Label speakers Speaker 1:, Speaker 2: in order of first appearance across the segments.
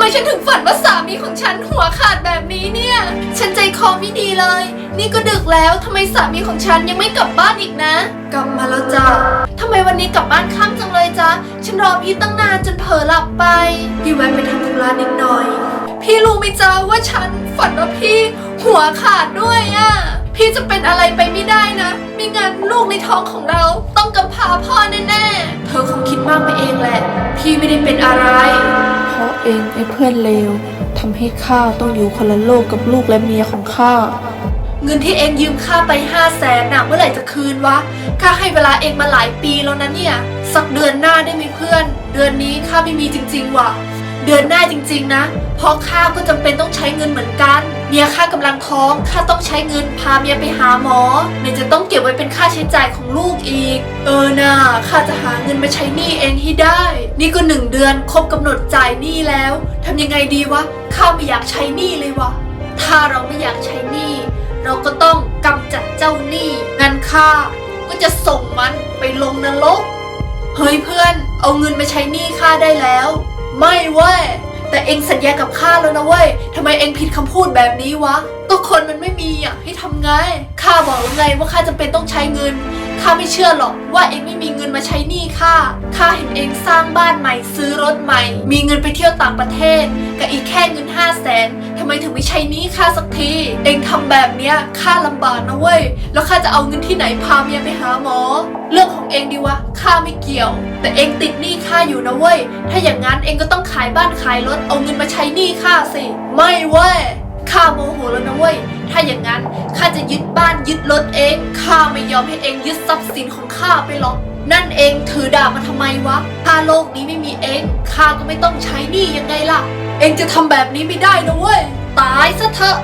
Speaker 1: ไมฉันถึงฝันว่าสามีของฉันหัวขาดแบบนี้เนี่ยฉันใจคอไม่ดีเลยนี่ก็ดึกแล้วทำไมสามีของฉันยังไม่กลับบ้านอีกนะกลับมาแล้วจ้ะทำไมวันนี้กลับบ้านค่ำจังเลยจ๊ะฉันรอพี่ตั้งนานจนเผลอหลับไปพี่แวะไปทำธุระนิดหน่อยพี่รู้ไหมจ๊ะว่าฉันฝันว่าพี่หัวขาดด้วยอะพี่จะเป็นอะไรไปไม่ได้นะไม่งั้นลูกในท้องของเราต้องกำพร้าพ่อแน่ๆเธอคงคิดมากไปเองแหละพี่ไม่ได้เป็นอะไร
Speaker 2: เพราะเองไอ้เพื่อนเลวทำให้ข้าต้องอยู่คนละโลกกับลูกและเมียของข้า
Speaker 1: เงินที่เองยืมข้าไป500,000น่ะเมื่อไหร่จะคืนวะข้าให้เวลาเองมาหลายปีแล้วนะเนี่ยสักเดือนหน้าได้ไหมเพื่อนเดือนนี้ข้าไม่มีจริงๆว่ะเดือนหน้าจริงๆนะเพราะข้าก็จำเป็นต้องใช้เงินเหมือนกันเมียข้ากำลังท้องข้าต้องใช้เงินพาเมียไปหาหมอไหนจะต้องเก็บไว้เป็นค่าใช้จ่ายของลูกอีกน่ะข้าจะหาเงินมาใช้หนี้เองให้ได้นี่ก็1 เดือนครบกำหนดจ่ายหนี้แล้วทำยังไงดีวะข้าไม่อยากใช้หนี้เลยวะถ้าเราไม่อยากใช้หนี้เราก็ต้องกำจัดเจ้าหนี้งั้นข้าก็จะส่งมันไปลงนรกเฮ้ยเพื่อนเอาเงินมาใช้หนี้ข้าได้แล้วไม่เว้ยแต่เองสัญญากับข้าแล้วนะเว้ยทำไมเองผิดคำพูดแบบนี้วะก็คนมันไม่มีอ่ะให้ทำไงข้าบอกแล้วไงว่าข้าจำเป็นต้องใช้เงินข้าไม่เชื่อหรอกว่าเองไม่มีเงินมาใช้หนี้ข้าเห็นเองสร้างบ้านใหม่ซื้อรถใหม่มีเงินไปเที่ยวต่างประเทศกับอีกแค่เงิน500,000ทำไมถึงไม่ใช้หนี้ข้าสักทีเองทำแบบเนี้ยข้าลำบากนะเว้ยแล้วข้าจะเอาเงินที่ไหนพาเมียไปหาหมอเรื่องของเองดีวะข้าไม่เกี่ยวแต่เองติดหนี้ข้าอยู่นะเว้ยถ้าอย่างนั้นเองก็ต้องขายบ้านขายรถเอาเงินมาใช้หนี้ข้าสิไม่เว้ยข้าโมโหแล้วนะเว้ยถ้าอย่างนั้นข้าจะยึดบ้านยึดรถเองข้าไม่ยอมให้เองยึดทรัพย์สินของข้าไปหรอกนั่นเองถือดาบมาทำไมวะถ้าโลกนี้ไม่มีเองข้าก็ไม่ต้องใช้หนี้ยังไงล่ะเองจะทำแบบนี้ไม่ได้นะเว้ยตายซะเถอะ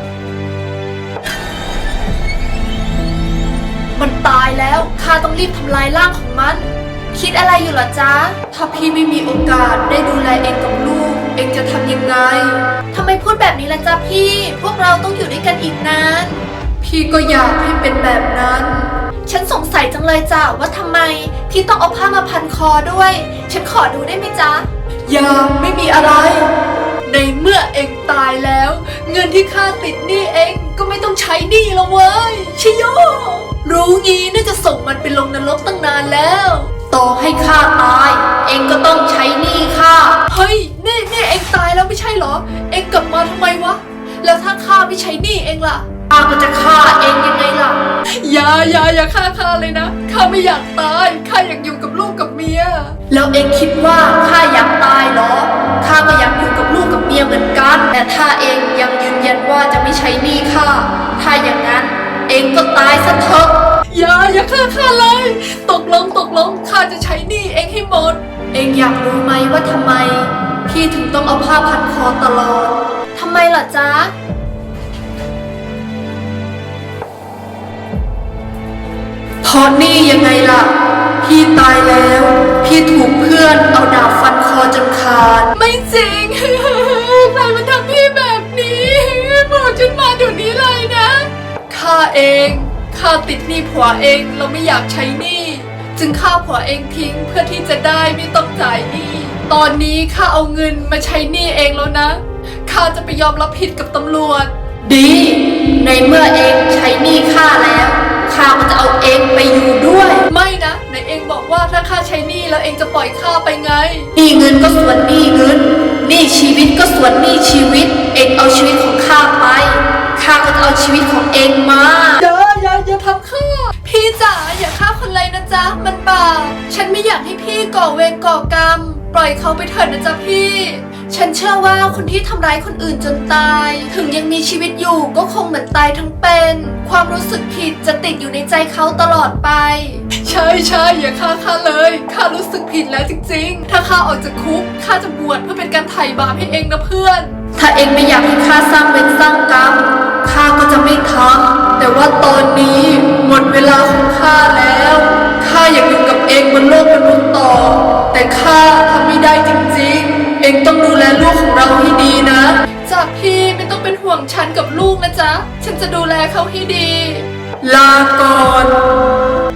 Speaker 1: มันตายแล้วข้าต้องรีบทำลายร่างของมันคิดอะไรอยู่เหรอจ๊ะถ้าพี่ไม่มีโอกาสได้ดูแลเองกับลูกเองจะทำยังไงทำไมพูดแบบนี้ล่ะจ๊ะพี่พวกเราต้องอยู่ด้วยกันอีกนานพี่ก็อยากให้เป็นแบบนั้นฉันสงสัยจังเลยจ้ะว่าทำไมพี่ต้องเอาผ้ามาพันคอด้วยฉันขอดูได้ไหมจ๊ะอย่าไม่มีอะไรในเมื่อเองตายแล้วเงินที่ข้าติดหนี้เองก็ไม่ต้องใช้หนี้แล้วเว้ยชิโยรู้งี้น่าจะส่งมันไปลงนรกตั้งนานแล้วต่อให้ข้าตายเองก็ต้องใช้หนี้ข้าเฮ้ยนี่เองตายแล้วไม่ใช่เหรอเองกลับมาทำไมวะแล้วถ้าข้าไม่ใช้หนี้เองล่ะข้าก็จะฆ่าเองยังไงล่ะอย่าฆ่าเลยนะข้าไม่อยากตายข้าอยากอยู่กับลูกกับเมียแล้วเองคิดว่าข้าอยากตายเหรอข้าก็อยากอยู่กับลูกกับเมียเหมือนกันแต่ถ้าเองยังยืนยันว่าจะไม่ใช้หนี้ข้าถ้าอย่างนั้นเองก็ตายซะเถอะอย่าฆ่าเลยตกลงข้าจะใช้หนี้เองให้หมดเองอยากรู้ไหมว่าทำไมพี่ถึงต้องเอาผ้าพันคอตลอดทำไมล่ะจ๊ะเพราะนี่ยังไงล่ะพี่ตายแล้วพี่ถูกเพื่อนเอาดาบฟันคอจนขาดไม่จริงใครมันทำพี่แบบนี้บอกฉันมาเดี๋ยวนี้เลยนะข้าติดหนี้ผัวเองเราไม่อยากใช้หนี้จึงฆ่าผัวเองทิ้งเพื่อที่จะได้ไม่ต้องจ่ายหนี้ตอนนี้ข้าเอาเงินมาใช้หนี้เองแล้วนะข้าจะไปยอมรับผิดกับตำรวจดีในเมื่อเองใช้หนี้ข้าแล้วข้าก็จะเอาเองไปอยู่ด้วยไม่นะไหนเองบอกว่าถ้าข้าใช้หนี้แล้วเองจะปล่อยข้าไปไงหนี้เงินก็ส่วนหนี้เงินหนี้ชีวิตก็ส่วนหนี้ชีวิตเองเอาชีวิตของข้าไปข้าก็จะเอาชีวิตของเองมาอย่าทำข้าพี่จ๋าอย่าฆ่าคนเลยนะจ๊ะมันบาปฉันไม่อยากให้พี่ก่อเวรก่อกรรมปล่อยเขาไปเถิดนะจ๊ะพี่ฉันเชื่อว่าคนที่ทำร้ายคนอื่นจนตายถึงยังมีชีวิตอยู่ก็คงเหมือนตายทั้งเป็นความรู้สึกผิดจะติดอยู่ในใจเขาตลอดไปใช่อย่าฆ่าข้าเลยข้ารู้สึกผิดแล้วจริงๆถ้าข้าออกจากคุกข้าจะบวชเพื่อเป็นการไถ่บาปให้เองนะเพื่อนถ้าเองไม่อยากให้ข้าสร้างเวรสร้างกรรมข้าก็จะไม่ทำแต่ว่าตอนนี้หมดเวลาของข้าแล้วข้าอยากอยู่กับเองบนโลกมนุษย์ต่อแต่ข้าทำไม่ได้จริงๆเองต้องดูแลลูกของเราให้ดีนะจ้ะพี่ไม่ต้องเป็นห่วงฉันกับลูกนะจ๊ะฉันจะดูแลเขาให้ดีลาก่อน